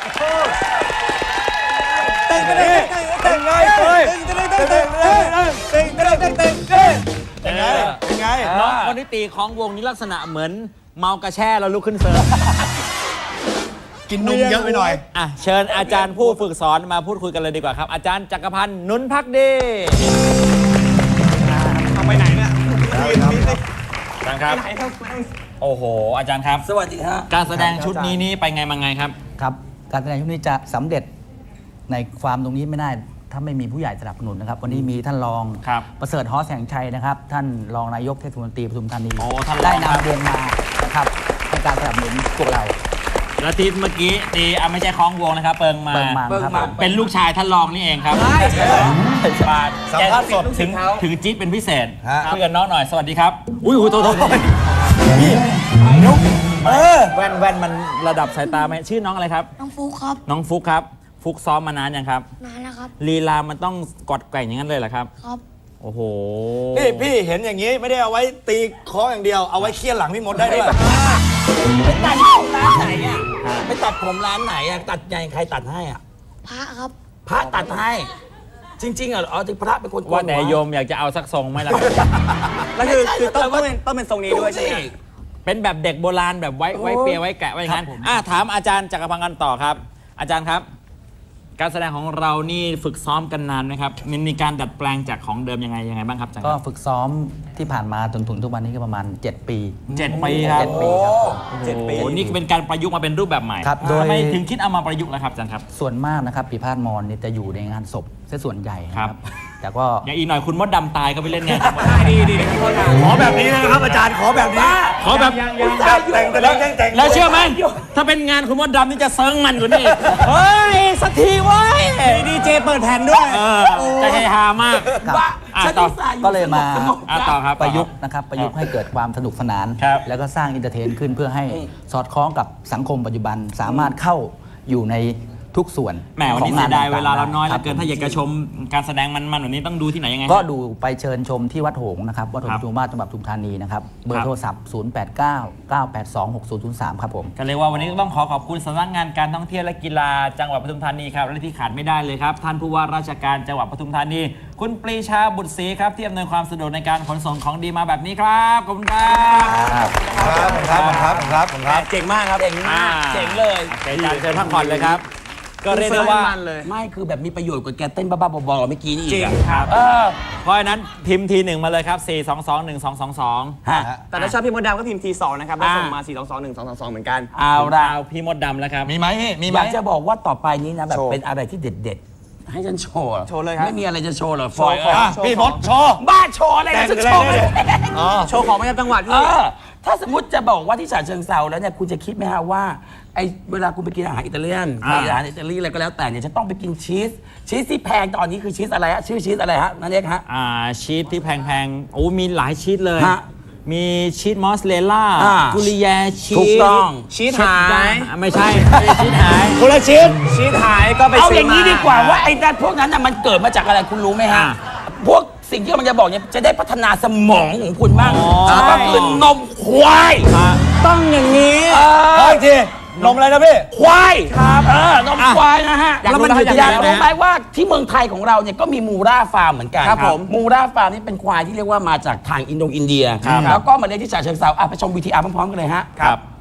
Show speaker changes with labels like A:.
A: เต้นไงเต้นไง
B: น้องคนที่ตีของวงนี้ลักษณะเหมือนเมากระแช่แล้วลุกขึ้นเซิร์ฟ
A: กินนมเยอะไปหน่อย
B: อ่ะเชิญอาจารย์ผู้ฝึกสอนมาพูดคุยกันเลยดีกว่าครับ อาจารย์จักรพันธ์นุนพักดีเอาไปไหนเนี่ยอาจารย์ครับโอ้โหอาจารย์ครับ
C: สวัสดีครับ
B: การแสดงชุดนี้นี่ไปไงมาไงครับ
D: ครับการแสดงชุดนี้จะสำเร็จในความตรงนี้ไม่ได้ถ้าไม่มีผู้ใหญ่สนับสนุนนะครับวันนี้มีท่านรองประเสริฐฮอแสงชัยนะครับท่านรองนายกเทศมนตรีปทุมธานีได้นำวงมานะครับในการสนับสนุนพวกเรา
B: แล้วทีเมื่อกี้ตีไม่ใช่คล้องวงนะครับเปิงมาเป็นลูกชายท่านรองนี่เองครับบาทสัมภาษณ์สดถึงจี๊ดเป็นพิเศษคุยกับน้องหน่อยสวัสดีครับอุ้ยโทษแว่นมันระดับสายตาไหมชื่อน้องอะไรครับ
E: น้องฟุกครับ
B: น้องฟุกครับฟุกซ้อมมานานยังครับ
E: นานแล้วครับ
B: ลีลามันต้องกอดแกว่งอย่างนั้นเลยเหรอครับ
E: ครับ
B: โอ้โห
A: พี่เห็นอย่างนี้ไม่ได้เอาไว้ตีคออย่างเดียวเอาไว้เคี่ยนหลังพี่มดได้ด้วย
C: ไปตัดผมร้านไหนอ่ะไปตัดผมร้านไหนอ่ะตัดยังใครตัดให้อ่ะ
E: พระครับ
C: พระตัดให้จริงๆอ่ะที่พระเป็นคน
B: ว่าแต่โยมอยากจะเอาสักทรงไหมล่ะ
A: แล้วคือต้องเป็นทรงนี้ด้วยใช่ไหม
B: เป็นแบบเด็กโบราณแบบไว้เปียไว้แกะไว้งั้นถามอาจารย์จักรพันธ์กันต่อครับอาจารย์ครับการแสดงของเรานี่ฝึกซ้อมกันนานไหมครับมีการดัดแปลงจากของเดิมยังไงบ้างครับ
D: ก็ฝึกซ้อมที่ผ่านมาจนถึงทุกวันนี้ก็ประมาณ7 ปี
B: 7 ปีครับ
D: 7 ปีครับ
B: 7 ปีนี่เป็นการประยุกต์มาเป็นรูปแบบใหม่ทำไมถึงคิดเอามาประยุกต์ล่ะครับอาจารย์ครับ
D: ส่วนมากนะครับปีพาดมอนนี่จะอยู่ในงานศพซะส่วนใหญ่ครับแต่ก็
B: อย่างอีกหน่อยคุณมดดำตายก็ไปเล่นไงดี
A: ขอแบบนี้นะครับอาจารย์ขอแบบนี้
B: ขอแบบแต่งแล้วเชื่อไหมถ้าเป็นงานคุณมดดำนี่จะเซิร์งมันกว่านี้เฮ้ยสักทีเว้ย
A: ดีเจเปิดแผ่นด้วย
B: จะเฮฮามาก
D: ต่อก็เลยมา
B: ต่อครับ
D: ประยุกต์นะครับประยุกต์ให้เกิดความสนุกสนานแล้วก็สร้างอินเตอร์เทนขึ้นเพื่อให้สอดคล้องกับสังคมปัจจุบันสามารถเข้าอยู่ในทุกส่วน
B: แหมวันนี้เสียดายเวลาเราน้อยเหลือเกินถ้าอยากจะชมการแสดงมันวันนี้ต้องดูที่ไหนยังไง
D: ก็ดูไปเชิญชมที่วัดหงส์นะครับวัดหงส์จุฬาจังหวัดปทุมธานีนะครับเบอร์โทรศัพท์0899826003ครับผม
B: ก็เรียกว่าวันนี้ต้องขอบคุณสำนักงานการท่องเที่ยวและกีฬาจังหวัดปทุมธานีครับและที่ขาดไม่ได้เลยครับท่านผู้ว่าราชการจังหวัดปทุมธานีคุณปรีชาบุตรศรีครับที่อำนวยความสะดวกในการขนส่งของดีมาแบบนี้ครับขอบคุณ
A: ครับเจ๋งมากครับ
C: เจ๋งเลย
B: อาจารย์เชิญพักผ่อนเลยครับก็เรียกได้ว่า
C: ไม่คือแบบมีประโยชน์กว่าแกเต้นบ้าๆบอๆเมื่อกี้นี่อีก
B: ครับเพราะฉะนั้นพิมพ์ที1มาเลยครับ4221222
A: แต่ถ้าชอบพี่มดดำก็พิมพ์ที2นะครับแล้วส่งมา4221222เหมือนกัน
B: เอาพี่มดดำแล้วครับ
A: มีไหม
C: อยากจะบอกว่าต่อไปนี้นะแบบเป็นอะไรที่เด็ดๆให้ฉันโชว์
A: เลยครับ
C: ไม่มีอะไรจะโชว์หรอฟอย
A: พี่มดโชว์
C: บ้าโชว์อะไรจะโชว์
A: โชว์ของประจำจังหวัดพี่
C: ถ้าสมมติจะบอกว่าที่ฉะเชิงเทราแล้วเนี่ยคุณจะคิดไหมฮะว่าไอเวลาคุณไปกินอาหารอิตาเลียนอาหารอิตาลีอะไรก็แล้วแต่เนี่ยจะต้องไปกินชีสที่แพงตอนนี้คือชีสอะไรฮะชื่อชีสอะไรฮะนั่นเองฮะ
B: ชีสที่แพงๆโอ้มีหลายชีสเลยมีชีสมอสเลล่ากุลิแยชีส
C: ถูกต้อง
A: ชีสหาย
B: ไม่ใช่ชีสหาย
A: คนละชีสหายก็ไป
C: เอาอย่างนี้ดีกว่าว่าไอ้พวกนั้นมันเกิดมาจากอะไรคุณรู้ไหมฮะพวกสิ่งที่มันจะบอกเนี่ยจะได้พัฒนาสมองของคุณบ้างก็คือนมควาย
A: ต้องอย่างนี้โอเคนมอะไรนะพี่
C: ควายครับนมควายนะฮะแล้วมันอยากรู้ไหมว่าที่เมืองไทยของเราเนี่ยก็มีมูราฟาร์มเหมือนกัน
A: ครับผม
C: มูราฟาร์มนี่เป็นควายที่เรียกว่ามาจากทางอินโดอินเดียแล้วก็มาเลี้ยงที่ฉะเชิงเทราไปชม VTR พร้อมๆกันเลยฮะ
B: ครับ